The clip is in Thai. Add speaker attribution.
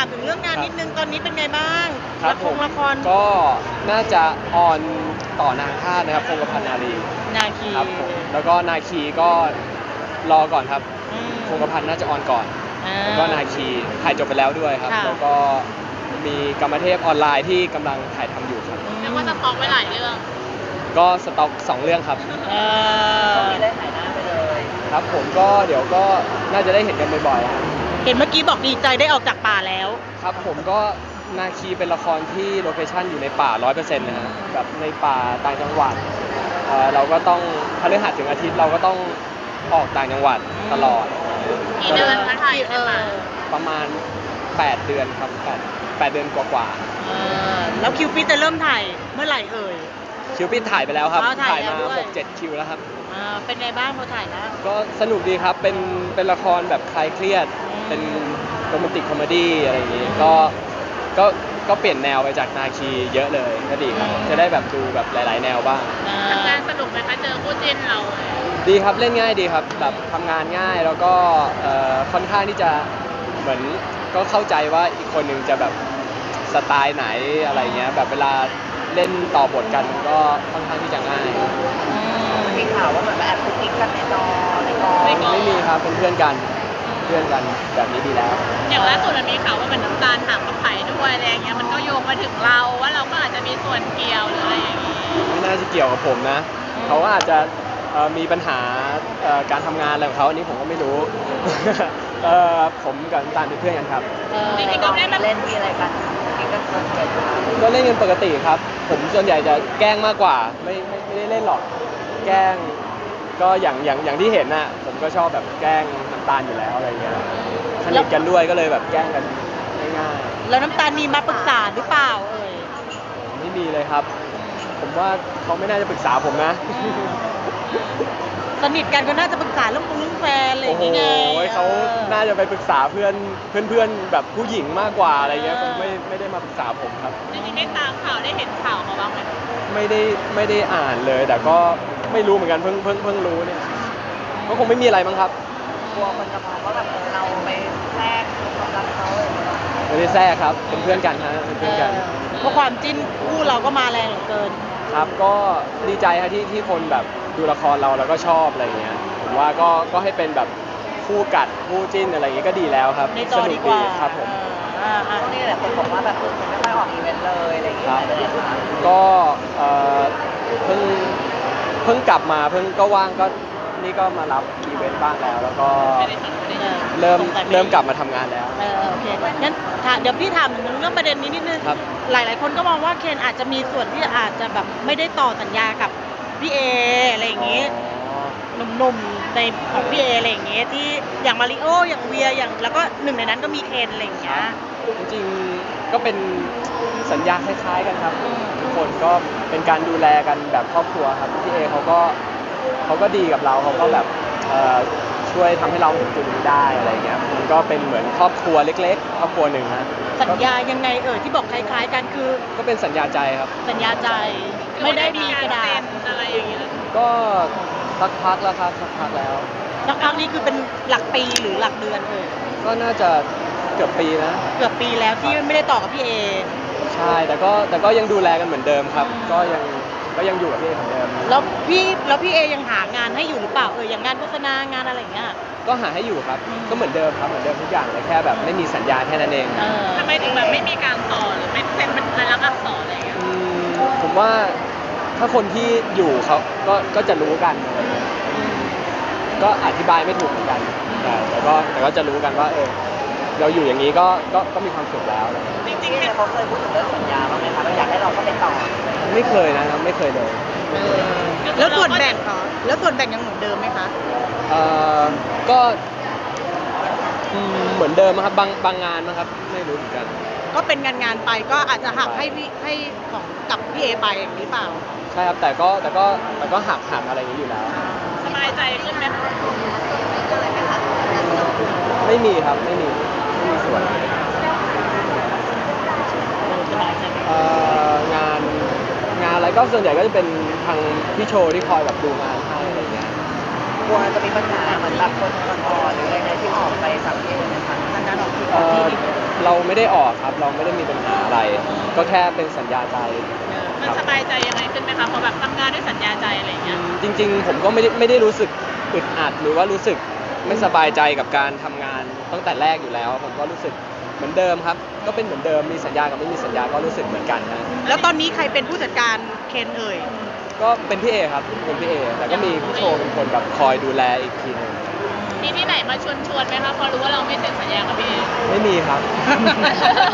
Speaker 1: ถึงเรื่องงานนิดนึงตอนนี้เป็นไงบ้าง
Speaker 2: ครับผม
Speaker 1: ละคร
Speaker 2: ก็น่าจะออนต่อนางธาตุนะครับคงกระพันนารี
Speaker 1: นาคี
Speaker 2: ครับผมแล้วก็นาคีก็รอก่อนครับ
Speaker 1: อืม
Speaker 2: คงกระพันน่าจะออนก่อน
Speaker 1: อ่า
Speaker 2: แล้วก็นาคีถ่ายจบไปแล้วด้วยครับ
Speaker 1: ค่ะ
Speaker 2: แล้วก็มีกรรมเทพออนไลน์ที่กำลังถ่ายทำอยู่ครับ
Speaker 3: เรียกว่าสต็อกไว้หลายเรื่อง
Speaker 2: ก็สต็อก2 เรื่องครับ
Speaker 1: เอ
Speaker 3: ก็
Speaker 1: อ
Speaker 3: มีได้ถ่ายหน้าไปเลย
Speaker 2: ครับผมก็เดี๋ยวก็น่าจะได้เห็นกันบ่อยๆครับ
Speaker 1: เห็นเมื่อกี้บอกดีใจได้ออกจากป่าแล้ว
Speaker 2: ครับผมก็นาคีเป็นละครที่โลเคชั่นอยู่ในป่า 100%นะฮะแบบในป่าต่างจังหวัดเราก็ต้องพฤหัสถึงอาทิตย์เราก็ต้องออกต่างจังหวัดตลอด
Speaker 3: กี่เดือนคะถ่ายในป่า
Speaker 2: ประมาณ 8 เดือนครับ8เดือนกว่า
Speaker 1: แล้วคิวปิดจะเริ่มถ่ายเมื่อไหร่เอ่ย
Speaker 2: ๆคิวปิดถ่ายไปแล้วครับ
Speaker 1: อ๋อถ่ายแล้ว
Speaker 2: มา
Speaker 1: ด้วย
Speaker 2: 6-7 คิวแล้วครับ
Speaker 1: เป็นไงบ้างพอถ่ายแล้ว
Speaker 2: ก็สนุกดีครับเป็นละครแบบคลายเครียด เป็นโรแมนติกคอมเมดี้อะไรอย่างงี้ก็เปลี่ยนแนวไปจากนาคีเยอะเลยก็ดีครับจะได้แบบดูแบบหลายๆ แนวบ้าง
Speaker 3: ทำงานสนุกไหมคะเจอคู่จิ้นเรา
Speaker 2: ดีครับเล่นง่ายดีครับแบบทำงานง่ายแล้วก็ค่อนข้างที่จะเหมือนก็เข้าใจว่าอีกคนหนึ่งจะแบบสไตล์ไหนอะไรเงี้ยแบบเวลาเล่นต่อบทกันก็ค่อนข้างที่จะง่าย
Speaker 3: มีข่าวว่าเหมือนแอบคุกกิ๊กกันในจอในกอง
Speaker 2: ไม่มีครับเป็นเพื่อนกันแบบนี้ดีแล้ว
Speaker 3: อย่างล่าสุดมันมีข่าวว่าเหมือนน้ำตาลถามกับไผ่ด้วยอะไรอย่างเงี้ยมันก็โยงมาถึงเราว่าเราก็อาจจะมีส่วนเกี่ยวหรืออะไรอย่างงี้
Speaker 2: ไม่น่าจะเกี่ยวกับผมนะเขาก็อาจจะมีปัญหาการทำงานอะไรของเขาอันนี้ผมก็ไม่รู้ ผมกับน้ำตาลเป็นเพื่อนกันครับ
Speaker 3: จริงๆก็ได้มาเล่นมีอะไรกันกิ๊กกันเกินเกิน
Speaker 2: ก็เล่นกันปกติครับ ผมส่วนใหญ่จะแกล้งมากกว่าไม่ได้เล่นหรอกแกล้งก็อย่างที่เห็นน่ะผมก็ชอบแบบแกล้งน้ำตาลอยู่แล้วอะไรเงี้ยสนิทกันด้วยก็เลยแบบแกล้งกันง่าย
Speaker 1: แล้วน้ำตาลมีมาปรึกษาหรือเปล่าเอ่ย
Speaker 2: ๆไม่มีเลยครับ ผมว่าเขาไม่น่าจะปรึกษาผมนะ
Speaker 1: สนิทกันก็น่าจะปรึกษาเรื่องแฟนอะไรอ
Speaker 2: โอ้
Speaker 1: ย่าง
Speaker 2: โห
Speaker 1: งี้ไง
Speaker 2: เขาน่าจะไปปรึกษาเพื่อนแบบผู้หญิงมากกว่าอะไรเงี้ยคงไม่ได้มาปรึกษาผมครับ
Speaker 3: จริงๆได้ตามข่าวได้เห็นข่าวมาบ้างไหม
Speaker 2: ไม่ได้อ่านเลย แต่ก็ไม่รู้เหมือนกันเพิ่งรู้เนี่ยก็คงไม่มีอะไรมั้งครับ
Speaker 3: กลัวคนจะมองว่าแบบเราไปแทรกความรักเขาเลย
Speaker 2: ไม่ได้แทรกครับเป็นเพื่อนกันฮะเป็นเพื่อนกัน
Speaker 1: เพราะความจิ้นคู่เราก็มาแรงเหลือเกิน
Speaker 2: ครับก็ดีใจฮะที่คนแบบดูละครเราแล้วก็ชอบอะไรเงี้ยผมว่าก็ให้เป็นแบบคู่กัดคู่จิ้นอะไรอย่างเงี้ยก็ดีแล้วครับ
Speaker 1: ในจอดีกว่า
Speaker 2: ครับผม
Speaker 3: ช่วงนี้แหละคนบอกว่าแบบคุณไม่ค่อยออกอีเวนต์เลยอะไรอย่างเงี้
Speaker 2: ค
Speaker 3: ย
Speaker 2: รับ
Speaker 3: เลยค่ะ
Speaker 2: ก็เพิ่งกลับมาเพิ่งก็ว่างก็นี่ก็มารับอีเวนต์บ้างแล้ว แล้วก็เริ่มกลับมาทำงานแล้ว
Speaker 1: โอเคงั้นเดี๋ยวพี่ถามถึงเรื่องประเด็นนี้นิดนึง
Speaker 2: ครับ
Speaker 1: หลายๆคนก็มองว่าเคนอาจจะมีส่วนที่อาจจะแบบไม่ได้ต่อสัญญากับพี่เออะไรอย่างงี้ หนุ่มๆในของพี่เออะไรอย่างเงี้ยที่อย่างมาริโออย่างเวียอย่างแล้วก็หนึ่งในนั้นก็มีเคนอะไรอย่างเงี้ย
Speaker 2: จริงๆก็เป็นสัญญาคล้ายๆกันครับทุกคนก็เป็นการดูแลกันแบบครอบครัวครับพี่เอเขาก็ดีกับเราเขาก็แบบช่วยทำให้เราถึงจุดนี้ได้อะไรเงี้ยมันก็เป็นเหมือนครอบครัวเล็กๆครอบครัวหนึ่งฮะ
Speaker 1: สัญญายังไงที่บอกคล้ายๆกันคือ
Speaker 2: ก็เป็นสัญญาใจครับ
Speaker 1: สัญญาใจไม่ได้มีกระดาษ
Speaker 3: อะไรอย่างเงี้ย
Speaker 2: ก็สักพักแล้วครับสักพักแล้ว
Speaker 1: สักพักนี้คือเป็นหลักปีหรือหลักเดือน
Speaker 2: ก็น่าจะเกือบปีนะ
Speaker 1: เกือบปีแล้วที่ไม่ได้ต่อกับพี่เอ
Speaker 2: ใช่แต่ก็ยังดูแลกันเหมือนเดิมครับ ก็ยังอยู่กับพี่เอเหมือนเดิม
Speaker 1: แล้วพี่เอยังหางานให้อยู่หรือเปล่าอย่างงานโฆษณางานอะไรอย่างเงี้ย
Speaker 2: ก็หาให้อยู่ครับก็เหมือนเดิมครับเหมือนเดิมทุกอย่างเลยแค่แบบไม่มีสัญญาแค่นั้นเอง
Speaker 3: ทำไมถึงแบบไม่มีการต่อหรือไม่เซ็นเป็นลายลักษณ์อักษรอะไรอย่างเงี้ย
Speaker 2: ผมว่าถ้าคนที่อยู่เขาก็จะรู้กัน ก็อธิบายไม่ถูกเหมือนกันแต่ก็จะรู้กันว่าเราอยู่อย่างนี้ก็มีความสุขแล้ว
Speaker 3: จริงๆเขาเคยพูดถึงเรื่องสัญญาบ้างไหมคะว่าอยากให้เราเข้าไปต่อ
Speaker 2: ไม่เคยนะครับไม่เคยเลย
Speaker 1: แล้วส่วนแบ่งยังเหมือนเดิมไหมคะ
Speaker 2: ก็เหมือนเดิมครับบางงานนะครับไม่รู้เหมือนกัน
Speaker 1: ก็เป็นงานไปก็อาจจะหักให้ของกับพี่เอไปอย่างนี้เปล่า
Speaker 2: ใช่ครับแต่ก็หักอะไรอย่างนี้อยู่แล้ว
Speaker 3: สบายใจขึ้นไหม
Speaker 2: ไม่มีครับไม่มีส่วนงานอะไรก็ส่วนใหญ่ก็จะเป็นทางพี่โชว์ที่คอยแบบดูงานให้อะไรเงี้ย
Speaker 3: กลัวจะมีปัญหาเหมือนแบบคนอ่อนๆหรืออะไรที่ออกไปสังเกตนะคะทางการออกที่
Speaker 2: เราไม่ได้ออกครับ เราไม่ได้มีปัญหาอะไร ก็แค่เป็นสัญญาใจ
Speaker 3: มันสบายใจยังไงขึ้นไหมคะพอแบบทำงานด้วยสัญญาใจอะไรอย่างเงี้ย
Speaker 2: จริงๆผมก็ไม่ได้รู้สึกอึดอัดหรือว่ารู้สึกไม่สบายใจกับการทำงานตั้งแต่แรกอยู่แล้ว ผมก็รู้สึกเหมือนเดิมครับ ก็เป็นเหมือนเดิมมีสัญญากับไม่มีสัญญาก็รู้สึกเหมือนกันนะ
Speaker 1: แล้วตอนนี้ใครเป็นผู้จัดการเคนเอ่ย
Speaker 2: ก็เป็นพี่เอครับเป็นพี่เอแต่ก็มีพี่โชว์เป็นคนแบบคอยดูแลอีกทีหนึง
Speaker 3: มีที่ไหนมาชวนไหมคะพอรู้ว่าเราไม่เซ็นสัญญากับพี่เอ
Speaker 2: ไม่มีครับ